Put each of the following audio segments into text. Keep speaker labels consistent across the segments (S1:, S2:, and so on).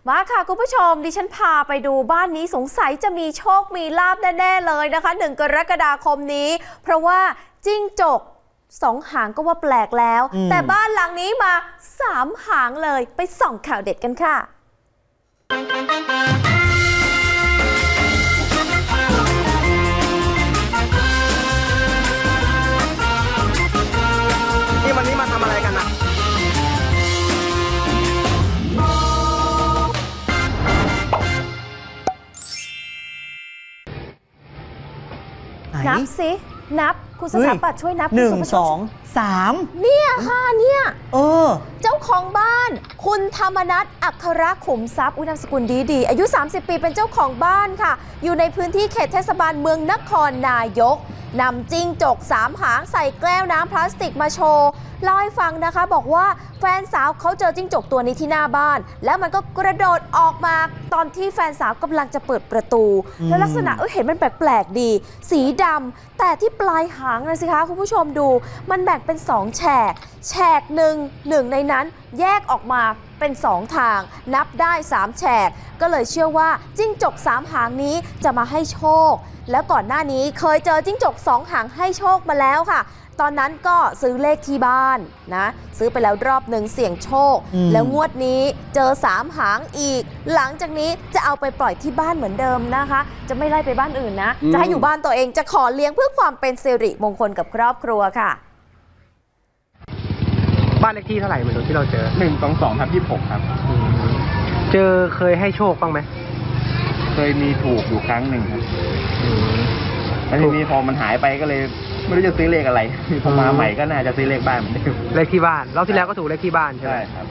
S1: มาค่ะคุณผู้ชมดิฉันพาไปดูบ้านนี้สงสัยจะมีโชคมีลาภแน่ๆเลยนะคะ1 กรกฎาคมนี้เพราะว่าจิ้งจก2 หางก็ว่าแปลกแล้วแต่บ้านหลังนี้มา3 หางเลยไปส่องข่าวเด็ดกันค่ะ
S2: วันนี้มาทำอะไรกันนะ
S1: นับสินับคุณสถาปัตย์ช่วยนับ
S3: 1 2 3
S1: เนี่ยค่ะเนี่ย
S3: เจ้า
S1: ของบ้านคุณธรรมนัสอัครขุมทรัพย์นามสกุลดีอายุ30 ปีเป็นเจ้าของบ้านค่ะอยู่ในพื้นที่เขตเทศบาลเมืองนครนายกนำจิ้งจก3 หางใส่แก้วน้ำพลาสติกมาโชว์เล่าให้ฟังนะคะบอกว่าแฟนสาวเขาเจอจิ้งจกตัวนี้ที่หน้าบ้านแล้วมันก็กระโดดออกมาตอนที่แฟนสาวกำลังจะเปิดประตูแล้วลักษณะเห็นมันแปลกๆดีสีดำแต่ที่ปลายหางนะสิคะคุณผู้ชมดูมันแบ่งเป็น2 แฉกหนึ่งในนั้นแยกออกมาเป็น2 ทางนับได้3 แฉกก็เลยเชื่อว่าจิ้งจก3 หางนี้จะมาให้โชคแล้วก่อนหน้านี้เคยเจอจิ้งจก2 หางให้โชคมาแล้วค่ะตอนนั้นก็ซื้อเลขที่บ้านนะซื้อไปแล้วรอบหนึ่งเสี่ยงโชคแล้วงวดนี้เจอ3 หางอีกหลังจากนี้จะเอาไปปล่อยที่บ้านเหมือนเดิมนะคะจะไม่ไล่ไปบ้านอื่นนะจะให้อยู่บ้านตัวเองจะขอเลี้ยงเพื่อความเป็นสิริมงคลกับครอบครัวค่ะ
S2: บ้านเลขที่เท่าไหร่ไม่รู้ที่เราเจอ
S4: 122/26ครับ
S2: เคยให้โชคบ้างไหม
S4: เคยมีถูกอยู่ครั้งหนึ่งครับแล้วทีนี้พอมันหายไปก็เลยไม่รู้จะซื้อเลขอะไรพอมาใหม่ก็น่าจะซื้อเลขบ้านเหมือนเดิม
S2: เลขที่บ้านรอบที่แล้วก็ถูกเลขที่บ้านใช่ไหม
S4: ครับ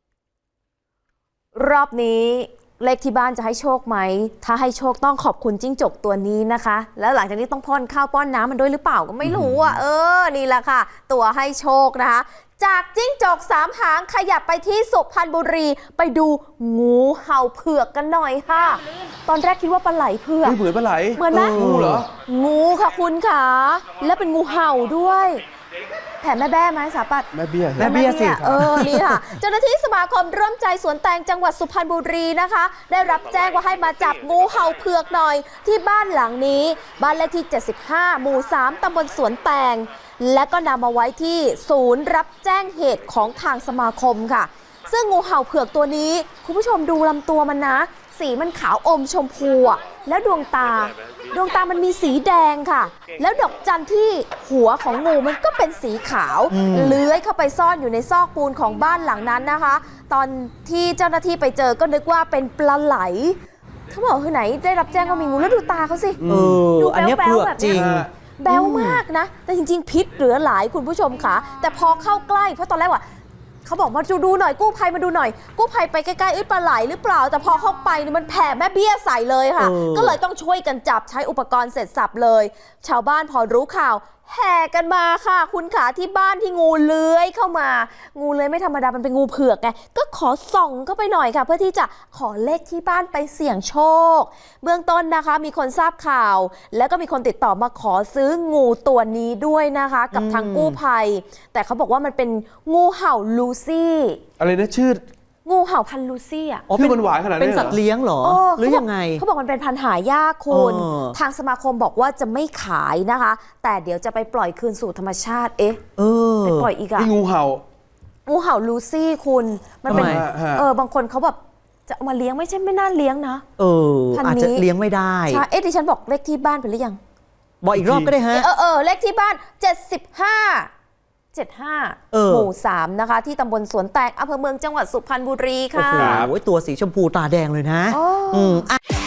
S1: รอบนี้เลขที่บ้านจะให้โชคไหมถ้าให้โชคต้องขอบคุณจิ้งจกตัวนี้นะคะแล้วหลังจากนี้ต้องป้อนข้าวป้อนน้ำมันด้วยหรือเปล่าก็ไม่รู้อ่ะนี่แหละค่ะตัวให้โชคนะคะจากจิ้งจก3 หางขยับไปที่สุพรรณบุรีไปดูงูเห่าเผือกกันหน่อยค่ะตอนแรกคิดว่าปลาไหลเผือก
S3: เหมือนปลาไหล
S1: เหมือนไหม
S3: งูเหรอ
S1: งูค่ะคุณค่ะและเป็นงูเห่าด้วยแผ่แม่แบ้ไหมสาปัด
S3: แม่เบี้ยสิ
S1: นี่ค่ะเจ้าหน้าที่สมาคมร่วมใจสวนแตงจังหวัดสุพรรณบุรีนะคะได้รับแจ้งว่าให้มาจับงูเห่าเผือกหน่อยที่บ้านหลังนี้บ้านเลขที่75 หมู่ 3 ตำบลสวนแตงและก็นำมาไว้ที่ศูนย์รับแจ้งเหตุของทางสมาคมค่ะซึ่งงูเห่าเผือกตัวนี้คุณผู้ชมดูลำตัวมันนะสีมันขาวอมชมพูแล้วดวงตามันมีสีแดงค่ะแล้วดอกจันที่หัวของงูมันก็เป็นสีขาวเลื้อยเข้าไปซ่อนอยู่ในซอกปูนของบ้านหลังนั้นนะคะตอนที่เจ้าหน้าที่ไปเจอก็นึกว่าเป็นปลาไหลเขาบอกคือไหนได้รับแจ้งว่ามีงูแล้วดูตาเขาสิ
S3: ดูอันนี้เผือกจริง
S1: แบวมากนะแต่จริงๆพิษเหลือหลายคุณผู้ชมค่ะแต่พอเข้าใกล้เพราะตอนแรกว่าเขาบอกมาดูหน่อยกู้ภัยมาดูหน่อยกู้ภัยไปใกล้ๆปลาไหลหรือเปล่าแต่พอเข้าไปนี่มันแผ่แม่เบี้ยใส่เลยค่ะก็เลยต้องช่วยกันจับใช้อุปกรณ์เสร็จสับเลยชาวบ้านพอรู้ข่าวแห่กันมาค่ะคุณขาที่บ้านที่งูเลื้อยเข้ามางูเลื้อยไม่ธรรมดามันเป็นงูเผือกไงก็ขอส่องเข้าไปหน่อยค่ะเพื่อที่จะขอเลขที่บ้านไปเสี่ยงโชคเบื้องต้นนะคะมีคนทราบข่าวแล้วก็มีคนติดต่อมาขอซื้องูตัวนี้ด้วยนะคะกับทางกู้ภัยแต่เขาบอกว่ามันเป็นงูเห่าลูซี่
S3: อะไรนะชื่อ
S1: งูเห่าพันธุ์ลูซี่
S3: ชื่อมันหวานขนาดนี้
S5: เป็นสัตว์เลี้ยงเหรอหรือยังไง
S1: เขาบอกมันเป็นพันธุ์หายากคุณทางสมาคมบอกว่าจะไม่ขายนะคะแต่เดี๋ยวจะไปปล่อยคืนสู่ธรรมชาติไปปล่อยอีก
S3: งูเห่า
S1: ลูซี่คุณมันเป็นบางคนเขาแบบจะมาเลี้ยงไม่น่าเลี้ยงนะ
S5: อาจจะเลี้ยงไม่ได้
S1: ใช่ดิฉันบอกเลขที่บ้านไปหรือยัง
S5: บอกอีกรอบก็ได้ฮะ
S1: เลขที่บ้าน75 หมู่ 3นะคะที่ตำบลสวนแตงอำเภอเมืองจังหวัดสุพรรณบุรีค่ะ
S5: โอ้โหตัวสีชมพูตาแดงเลยนะ